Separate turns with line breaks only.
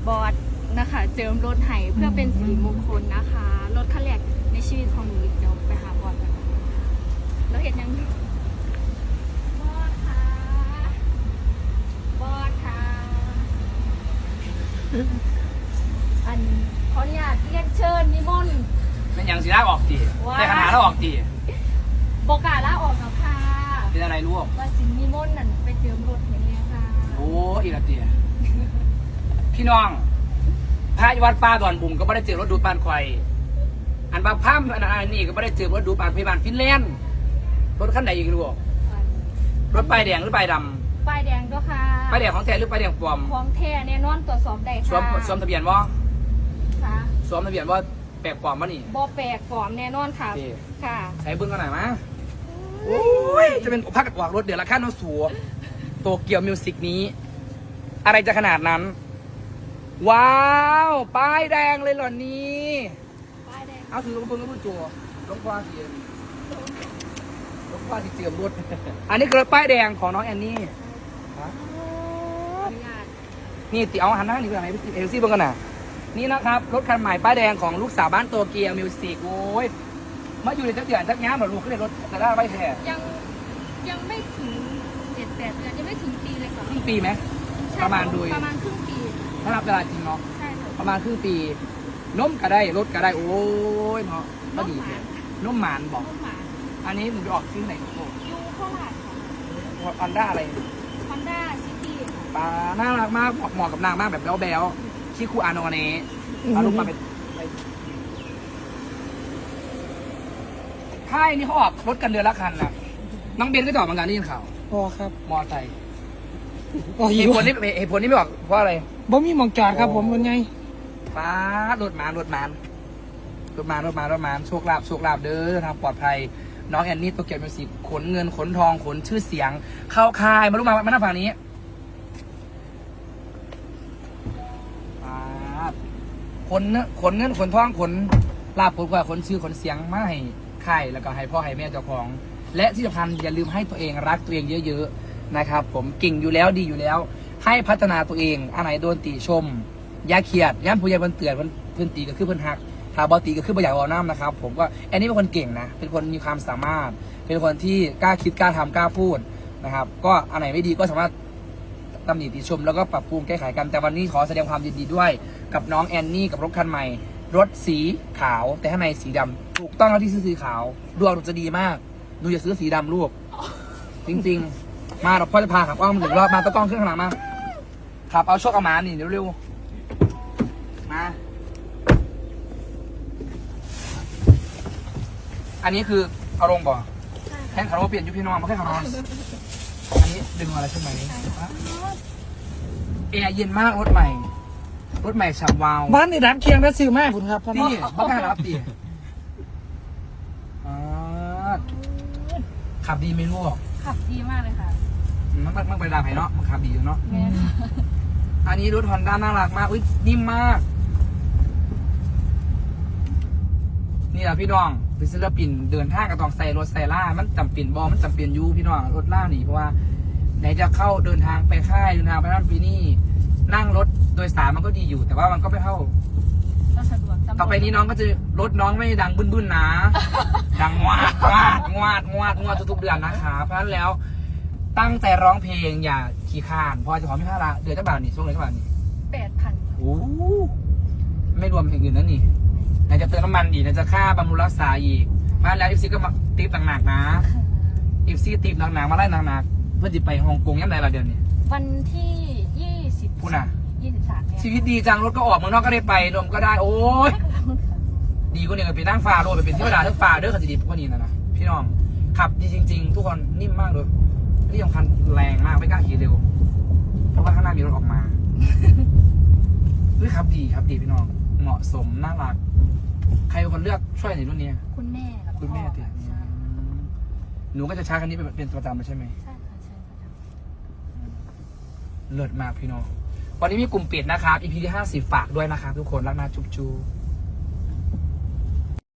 บอสนะคะเจิมรถไห้เพื่อเป็นสิริมงคลนะคะรถคันแรกในชีวิตของหนูอีกเดี๋ยวไปหาบอสกันแล้วเห็นยังบอสค่ะบอสค่ะอันขออนุญาตเรียนเชิญนิมนต์
เป็นอย่างสีลาออกตีแต่ขนาดเราออกตี
บอกกาลาออกแล้วค่ะ
เป็นอะไรลูก
ว่าสินิมนต์นั่นไปเจิมรถอย่างนี้ค่ะ
โอ้อีกแล้วตีพี่น้องพระวัดป่าดอนบุ่มก็ไม่ได้เจอรถดูดปานควายอันบางภาพอันนี้ก็ไม่ได้เจอรถดูดปานพยาบาลฟินแลนด์รถขั้นไหนอีกลูกรถป้ายแดงหรือป้ายดำ
ป้ายแดงด้วยค่ะ
ป้ายแดงของแท้หรือป้ายแดงปลอม
ของแท้แน่นอนตรวจสอบได้
สว
ค่ะ
มทะเบียนว่า
ค่ะ
สวมทะเบียนว่าแปลกปลอมวะนี่
บอแปลกปลอมแน่นอนค่ะ
โอเค
ค่ะ
ใช้เบิ้งกันหน่อยมั้ยโอ้ยจะเป็นพักกวากรถเดี๋ยวละขั้นเอาสัวโตเกียวมิวสิกนี้ อะไรจะขนาดนั้น ว้าวป้ายแดงเลยเหรอนี่
ป้ายแดง
เอาถือลงเบิ้งก็พูดจัวลงควาสีลงควาสีเจียมรถ อันนี้คือป้ายแดงของน้องแอนนี่ฮะ
อนุญาต
นี่ติเอาหันหน้านี่เป็นอะไรเอลซี่เบิ้งกันน่ะนี่นะครับรถคันใหม่ป้ายแดงของลูกสาวบ้านโตเกียวมิวสิกโอ้ยมาอยู่ในจักรยานจักรยานเหรอลูกขึ้นในรถแต่ได้ไม่แท้
ยังไม่ถึง7-8 เดือนยังไม่ถึงปีเลยค่ะ
ครึ่งปีไหม
ใช่
ประมาณโดย
ประมาณครึ่งปี
ถ้านับเวลาจริงเนาะ
ใช่ค่ะ
ประมาณครึ่งปีนมก็ได้รถก็ได้โอ้ยเนาะก็ดีเลยนมหมานบอก
ลูกหมา
อันนี้หนูจะออกซื้อไหนโอ้
ยูโคราชค่ะ
ฮอนด้าอะไร
ฮอนด้าซิตี้ค่ะ
ปลาน่ารักมากเหมาะกับนางมากแบบแบ๊วๆชิคูอาโนเนะเอาลูกมาเป็นค่ายนี่เขาออกรถกันเดือนละคันนะน้องเบนก็จะออกเหมือนกันนี่ข่าว
พอครับ
มอไซค์
พอ
เห
หิ
ตุ
ว
ผลนี่ไม่ออกเพราะอะไร
บ่มีหมองจอดครับผมเป็นไง
ฟ้ารถมารถมารโชคลาภเด้อทางปลอดภัยน้องแอนนี่ตัวเกียวมิวสิกขนเงินขนทองขนชื่อเสียง เข้าค่ายมาลูกมาหน้าฝั่งนี้ขนเงินขนทองขนลาภผลกว่าขนชื่อขนเสียงมาให้ค่ายแล้วก็ให้พ่อให้แม่เจ้าของ และที่สำคัญอย่าลืมให้ตัวเองรักตัวเองเยอะๆนะครับผมเก่งอยู่แล้วดีอยู่แล้ว ให้พัฒนาตัวเองอันไหนโดนติชมอย่าเครียดย่ำผู้ใหญ่เพิ่นเตือนเพิ่นตีก็คือเพิ่นหักถ้าบอตีก็คือบ่อยากเอาน้ำนะครับผมก็แอนนี่เป็นคนเก่งนะเป็นคนมีความสามารถ เป็นคนที่กล้าคิดกล้าทำกล้าพูดนะครับก็อันไหนไม่ดีก็สามารถตำหนิติชมแล้วก็ปรับปรุงแก้ไขกันแต่วันนี้ขอแสดงความยินดีด้วยกับน้องแอนนี่กับรถคันใหม่รถสีขาวแต่ข้างในสีดำถูกต้องแล้วที่ซื้อสีขาวดวงหนูจะดีมากหนูอย่าซื้อสีดำลูกจริงๆมาเราพ่อจะพาขับอ้อม1 รอบมาตะกล้องขึ้นข้างหลังมาขับเอาโชคเอาหมานี่เร็วๆมาอันนี้คือเอาลงบ่แท่งคาร์โบเปลี่ยนยุพี่น้องมาแค่คาร์โบอันนี้ดึงอะไรขึ้นมานี้แอร์เย็นมากรถใหม่ฉ่ำวาว
บ้านในร้านเคียงและซื้อแม่คุณครับ
นี่บ้ากล้ารับดิขับดีไหมลูก
ขับดีมากเลยค่ะ
มันไปดามไผ่เนาะมันขับดีอยู่เนาะ
แม่
อันนี้รถฮอนด้าน่ารักมากอุ้ยนิ่มมากนี่แหละพี่น้องเป็นศิลปินเดินทางกับต้องใส่รถใส่ล่ามันจำเป็นมันจำเป็นยูพี่น้องรถล่าหนีเพราะว่าไหนจะเข้าเดินทางไปค่ายเดินทางไปนั่นไปนี่นั่งรถโดยสารมันก็ดีอยู่แต่ว่ามันก็ไม่เท่า
ก็สะดวก
ต่อไปนี้น้องก็จะรถน้องไม่ดังบึ้นๆนะ ดังงวาดทุกๆเดือนนะคะเพราะฉะนั้นแล้วตั้งใจร้องเพลงอย่าขี้ข้านพอจะขอไม่ค่าละเดือนเท่าบาทนี่ช่วงเดือนเท่าบาทนี่
8,000
โอ้ไม่รวมอย่างอื่นนั่นนี่ไหนจะเติมน้ำมันอีกไหนจะค่าบำรุงรักษาอีกเพราะฉะนั้นแล้วอีฟซีก็มาติปหนักๆนะอีฟซีติปหนักๆมาไล่หนักๆเพื่อจะไปฮ่องกงยังไงล่ะเดือนนี้
วันที่20
พูดน่ะ
23เนี่ย
ชีวิตดีจังรถก็ออกเมืองนอกก็ได้ไปรวมก็ได้โอ้ยดีกว่านี้ก็ไปนั่งฟ้าโรดไปเป็นที่ประดาทั้งฟ้าเด้อเขาจะดีกว่านี้นะพี่น้องขับดีจริงๆทุกคนนิ่มมากเลยที่สำคัญแรงมากไม่กล้าขี่เร็วเพราะว่าข้างหน้ามีรถออกมาเฮ้ยขับดีพี่น้องเหมาะสมน่ารักใครเป็นคนเลือกช่วยในรุ่นนี้
คุณแม่กับ
คุณแม่
พ่อ
เตีย
ใช่
หนูก็จะใช้คันนี้เป็นประจำเลยใช่ไหม
ใช่ค่ะใช่ค่ะ
เลิศมากพี่น้องวันนี้มีกลุ่มปิดนะครับ EP ที่50ฝากด้วยนะครับทุกคนรักนาจุ๊บ